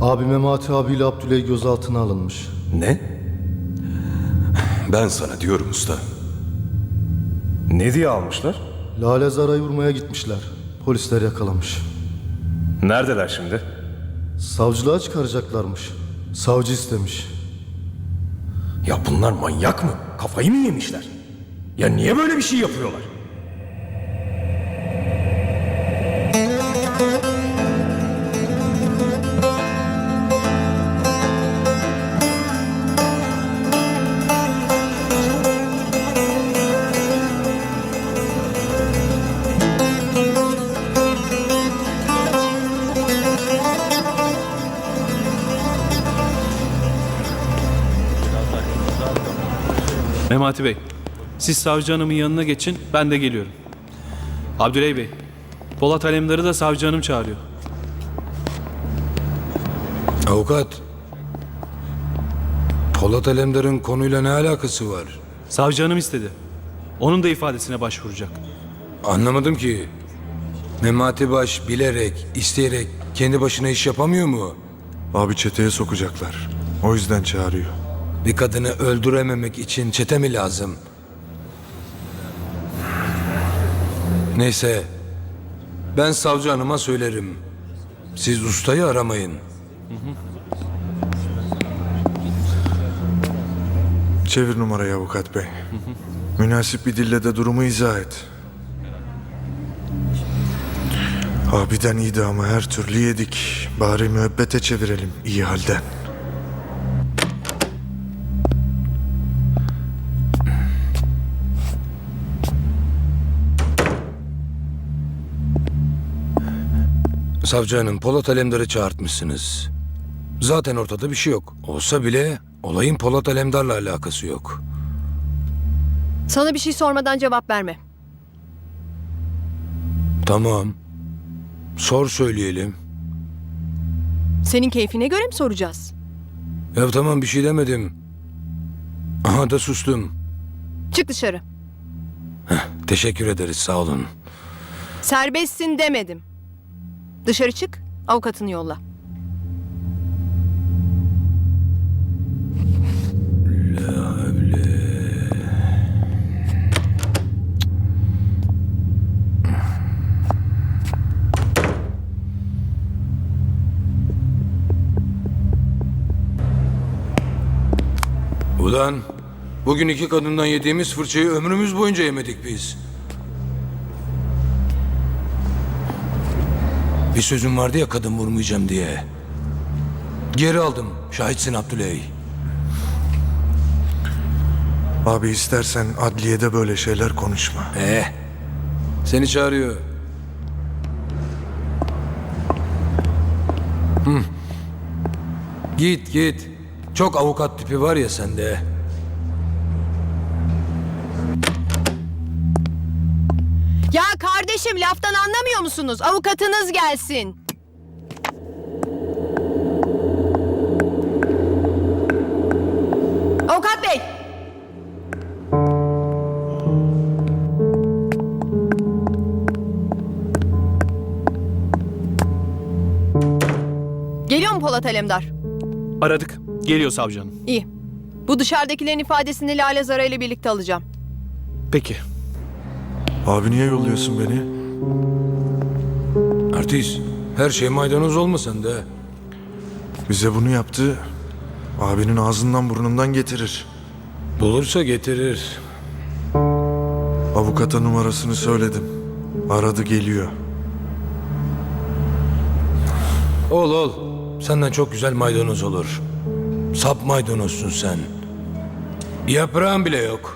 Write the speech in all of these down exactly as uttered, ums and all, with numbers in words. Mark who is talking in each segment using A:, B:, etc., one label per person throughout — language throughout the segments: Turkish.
A: Abi Memati abiyle Abdüley gözaltına alınmış.
B: Ne? Ben sana diyorum usta.
C: Ne diye almışlar?
A: Lale Zara'yı vurmaya gitmişler. Polisler yakalamış.
C: Neredeler şimdi?
A: Savcılığa çıkaracaklarmış. Savcı istemiş.
B: Ya bunlar manyak mı? Kafayı mı yemişler? Ya niye böyle bir şey yapıyorlar?
D: Memati Bey, siz savcı hanımın yanına geçin, ben de geliyorum. Abdüley Bey, Polat Alemdar'ı da savcı hanım çağırıyor.
E: Avukat, Polat Alemdar'ın konuyla ne alakası var?
D: Savcı hanım istedi. Onun da ifadesine başvuracak.
E: Anlamadım ki. Memati Baş bilerek, isteyerek kendi başına iş yapamıyor mu?
F: Abi çeteye sokacaklar. O yüzden çağırıyor.
E: Bir kadını öldürememek için çete mi lazım? Neyse, ben savcı hanıma söylerim. Siz ustayı aramayın.
F: Çevir numarayı avukat bey. Münasip bir dille de durumu izah et. Abiden idamı her türlü yedik. Bari müebbete çevirelim iyi halden.
E: Savcı hanım, Polat Alemdar'ı çağırtmışsınız. Zaten ortada bir şey yok. Olsa bile olayın Polat Alemdar'la alakası yok.
G: Sana bir şey sormadan cevap verme.
E: Tamam. Sor söyleyelim.
G: Senin keyfine göre mi soracağız?
E: Ya tamam, bir şey demedim. Aha da sustum.
G: Çık dışarı.
E: Teşekkür ederiz, sağ olun.
G: Serbestsin demedim. Dışarı çık, avukatını yolla.
E: Ulan, bugün iki kadından yediğimiz fırçayı ömrümüz boyunca yemedik biz. Bir sözüm vardı ya kadın vurmayacağım diye. Geri aldım, şahitsin Abdüley.
F: Abi istersen adliyede böyle şeyler konuşma.
E: Eh, seni çağırıyor. Hı. Git git. Çok avukat tipi var ya sende.
G: Ya kardeşim, laftan anlamıyor musunuz? Avukatınız gelsin. Avukat bey. Geliyor mu Polat Alemdar?
D: Aradık, geliyor savcı hanım.
G: İyi. Bu dışarıdakilerin ifadesini Lale Zara ile birlikte alacağım.
D: Peki.
F: Abi niye yolluyorsun beni?
E: Artist, her şey maydanoz olma sende.
F: Bize bunu yaptı. Abinin ağzından burnundan getirir.
E: Bulursa getirir.
F: Avukata numarasını söyledim. Aradı geliyor.
E: Ol ol. Senden çok güzel maydanoz olur. Sap maydanozsun sen. Yaprağın bile yok.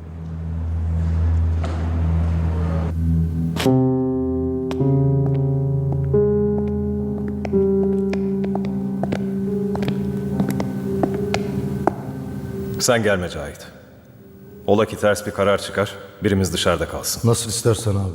C: Sen gelme Cahit. Ola ki ters bir karar çıkar, birimiz dışarıda kalsın.
A: Nasıl istersen abi.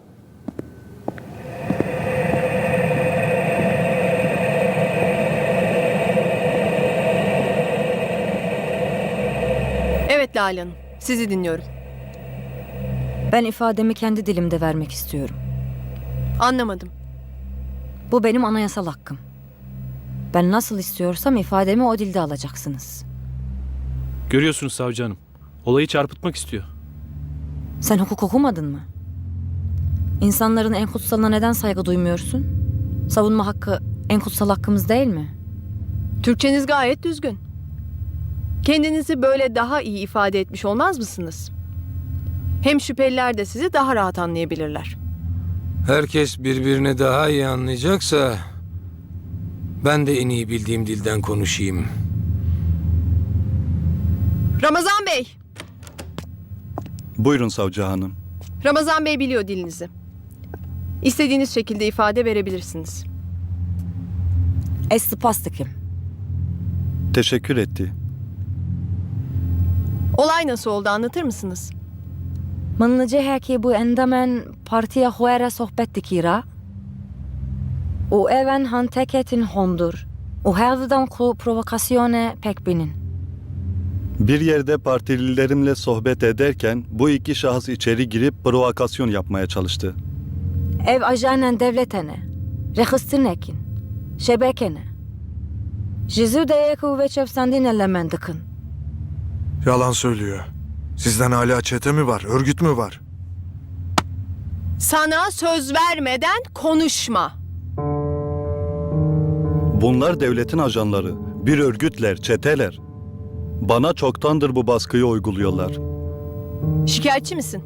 G: Evet Lale Hanım, sizi dinliyorum.
H: Ben ifademi kendi dilimde vermek istiyorum.
G: Anlamadım.
H: Bu benim anayasal hakkım. Ben nasıl istiyorsam ifademi o dilde alacaksınız.
D: Görüyorsunuz savcı hanım. Olayı çarpıtmak istiyor.
H: Sen hukuk okumadın mı? İnsanların en kutsalına neden saygı duymuyorsun? Savunma hakkı en kutsal hakkımız değil mi?
G: Türkçeniz gayet düzgün. Kendinizi böyle daha iyi ifade etmiş olmaz mısınız? Hem şüpheliler de sizi daha rahat anlayabilirler.
E: Herkes birbirini daha iyi anlayacaksa ben de en iyi bildiğim dilden konuşayım.
G: Ramazan Bey!
I: Buyurun savcı hanım.
G: Ramazan Bey biliyor dilinizi. İstediğiniz şekilde ifade verebilirsiniz.
H: Es spastikim.
I: Teşekkür etti.
G: Olay nasıl oldu anlatır mısınız?
H: Min ciheki bu endamen partiye huere sohbet dikira. U even han teketin hondur. U hevdan ku provokasyone pek binin.
I: Bir yerde partililerimle sohbet ederken bu iki şahıs içeri girip provokasyon yapmaya çalıştı.
H: Ev ajanen devletene. Rehistinekin. Şebekene. Jizu deyeku ve çefsendin elemendikin.
F: Yalan söylüyor. Sizden hala çete mi var, örgüt mü var?
G: Sana söz vermeden konuşma.
I: Bunlar devletin ajanları, bir örgütler, çeteler. Bana çoktandır bu baskıyı uyguluyorlar.
G: Şikayetçi misin?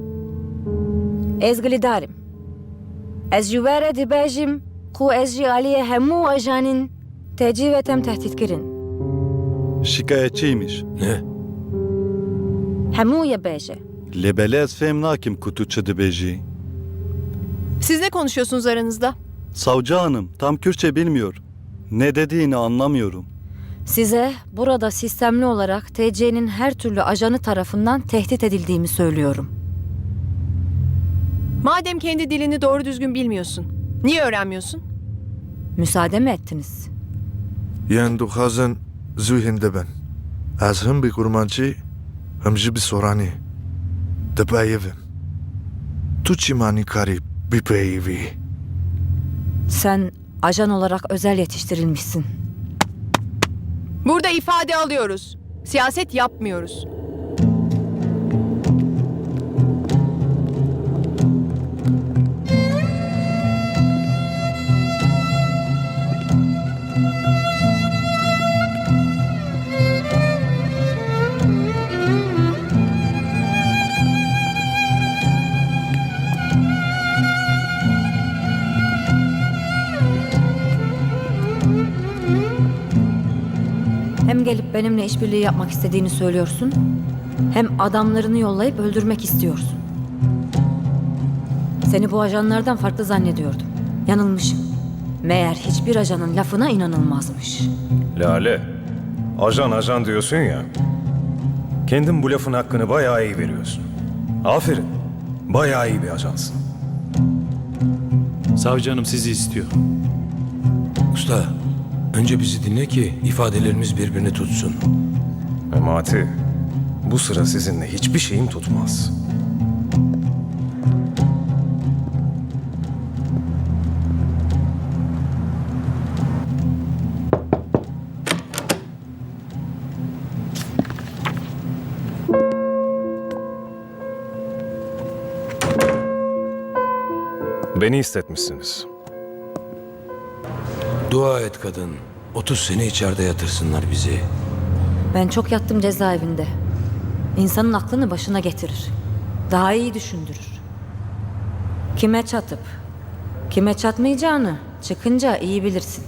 H: Ez glidarim. Ez juvere dibejim ku ez ji aliye hemu ajanin tecivetem tehditkirin.
I: Şikayetçiymiş.
E: Ne?
H: Hemu ye beje.
I: Lebele ez fem nakim kutu çıdıbeji.
G: Siz ne konuşuyorsunuz aranızda?
I: Savcı hanım tam Kürtçe bilmiyor. Ne dediğini anlamıyorum.
H: Size burada sistemli olarak T C'nin her türlü ajanı tarafından tehdit edildiğimi söylüyorum.
G: Madem kendi dilini doğru düzgün bilmiyorsun, niye öğrenmiyorsun?
H: Müsaade mi ettiniz?
F: Yen duhazın zühinde ben. Az hım bir kurmancı, hım jı bir sorani. De beyevim. Tuçimani kari bir beyevi.
H: Sen ajan olarak özel yetiştirilmişsin.
G: Burada ifade alıyoruz. Siyaset yapmıyoruz.
H: Hem gelip benimle işbirliği yapmak istediğini söylüyorsun, hem adamlarını yollayıp öldürmek istiyorsun. Seni bu ajanlardan farklı zannediyordum. Yanılmışım. Meğer hiçbir ajanın lafına inanılmazmış.
B: Lale, ajan ajan diyorsun ya. Kendin bu lafın hakkını bayağı iyi veriyorsun. Aferin, bayağı iyi bir ajansın.
D: Savcı hanım sizi istiyor.
E: Usta, önce bizi dinle ki ifadelerimiz birbirini tutsun.
B: Memati, bu sıra sizinle hiçbir şeyim tutmaz. Beni istetmişsiniz.
E: Dua et kadın. otuz sene içeride yatırsınlar bizi.
H: Ben çok yattım cezaevinde. İnsanın aklını başına getirir. Daha iyi düşündürür. Kime çatıp, kime çatmayacağını çıkınca iyi bilirsin.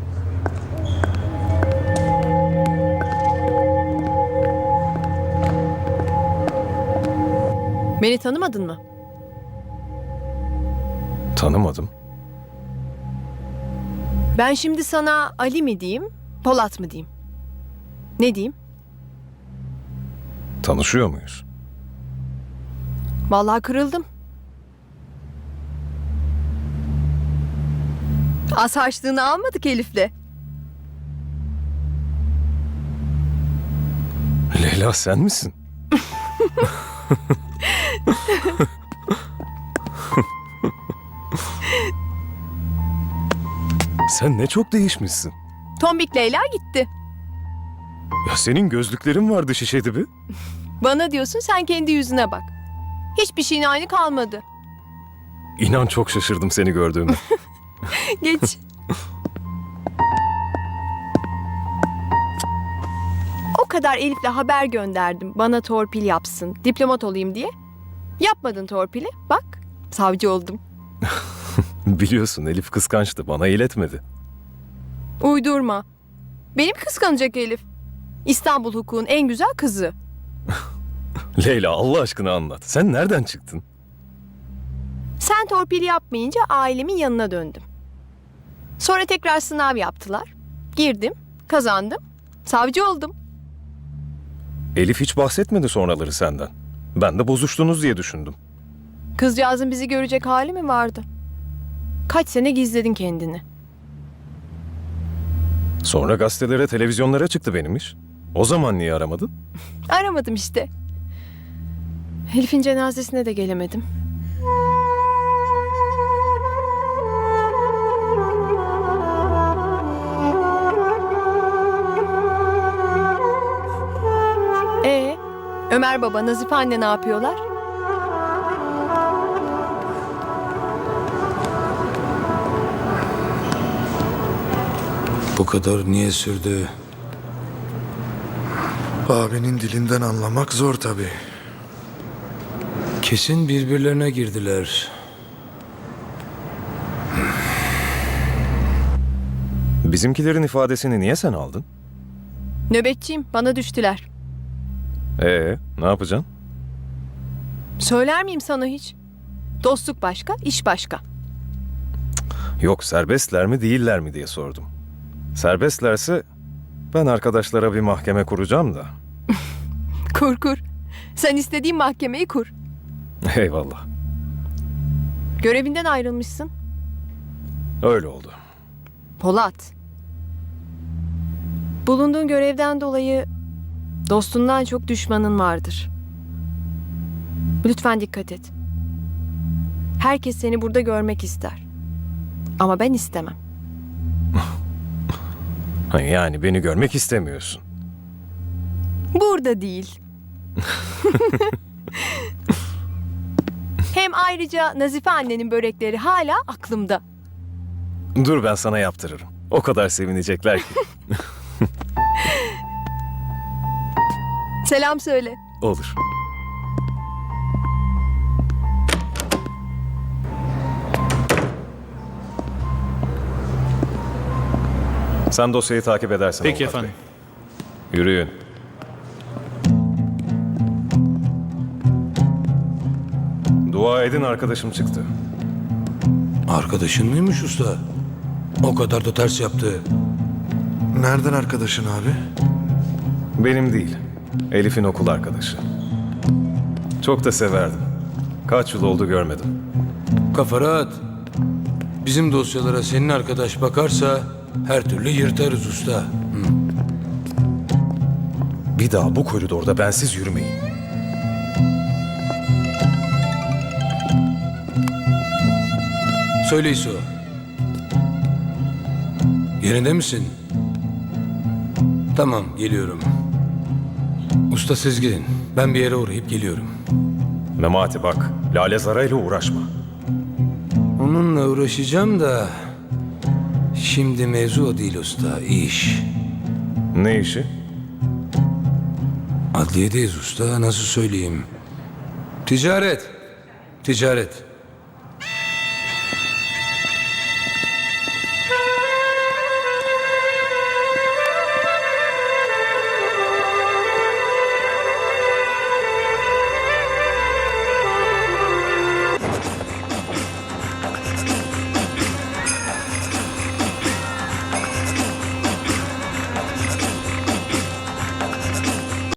G: Beni tanımadın mı?
B: Tanımadım.
G: Ben şimdi sana Ali mi diyeyim, Polat mı diyeyim? Ne diyeyim?
B: Tanışıyor muyuz?
G: Vallahi kırıldım. Az harçlığını almadık Elif'le.
B: Leyla sen misin? Sen ne çok değişmişsin.
G: Tombik Leyla gitti.
B: Ya senin gözlüklerin vardı şişe dibi.
G: Bana diyorsun, sen kendi yüzüne bak. Hiçbir şeyin aynı kalmadı.
B: İnan çok şaşırdım seni gördüğüme.
G: Geç. O kadar Elif'le haber gönderdim. Bana torpil yapsın, diplomat olayım diye. Yapmadın torpili. Bak, savcı oldum.
B: Biliyorsun Elif kıskançtı, bana iletmedi.
G: Uydurma. Benim kıskanacak Elif. İstanbul hukukun en güzel kızı.
B: Leyla Allah aşkına anlat. Sen nereden çıktın?
G: Sen torpil yapmayınca ailemin yanına döndüm. Sonra tekrar sınav yaptılar. Girdim, kazandım, savcı oldum.
B: Elif hiç bahsetmedi sonraları senden. Ben de bozuştunuz diye düşündüm.
G: Kızcağızın bizi görecek hali mi vardı? Kaç sene gizledin kendini.
B: Sonra gazetelere, televizyonlara çıktı benim iş. O zaman niye aramadın?
G: Aramadım işte. Elif'in cenazesine de gelemedim. Ee, Ömer baba, Nazife anne ne yapıyorlar?
E: Bu kadar niye sürdü?
F: Abinin dilinden anlamak zor tabii.
E: Kesin birbirlerine girdiler.
B: Bizimkilerin ifadesini niye sen aldın?
G: Nöbetçiyim, bana düştüler.
B: Ee, ne yapacaksın?
G: Söyler miyim sana hiç? Dostluk başka, iş başka.
B: Yok, serbestler mi değiller mi diye sordum. Serbestlerse ben arkadaşlara bir mahkeme kuracağım da.
G: Kur kur. Sen istediğin mahkemeyi kur.
B: Eyvallah.
G: Görevinden ayrılmışsın.
B: Öyle oldu.
G: Polat. Bulunduğun görevden dolayı dostundan çok düşmanın vardır. Lütfen dikkat et. Herkes seni burada görmek ister. Ama ben istemem.
B: Ha, yani beni görmek istemiyorsun.
G: Burada değil. Hem ayrıca Nazife annenin börekleri hala aklımda.
B: Dur ben sana yaptırırım. O kadar sevinecekler ki.
G: Selam söyle.
B: Olur. Sen dosyayı takip edersin.
D: Peki
B: avukat
D: efendim.
B: bey. Yürüyün. Dua edin arkadaşım çıktı.
E: Arkadaşın mıymış usta? O kadar da ters yaptı.
F: Nereden arkadaşın abi?
B: Benim değil. Elif'in okul arkadaşı. Çok da severdim. Kaç yıl oldu görmedim.
E: Kafa rahat. Bizim dosyalara senin arkadaş bakarsa her türlü yırtarız usta.
B: Bir daha bu koridorda bensiz yürümeyin.
E: Söyle İso. Yerinde misin? Tamam, geliyorum. Usta siz gidin. Ben bir yere uğrayıp geliyorum.
B: Memati bak, Lale Zara'yla uğraşma.
E: Onunla uğraşacağım da... Şimdi mevzu o değil usta, iş.
B: Ne işi?
E: Adliyedeyiz usta, nasıl söyleyeyim? Ticaret. Ticaret.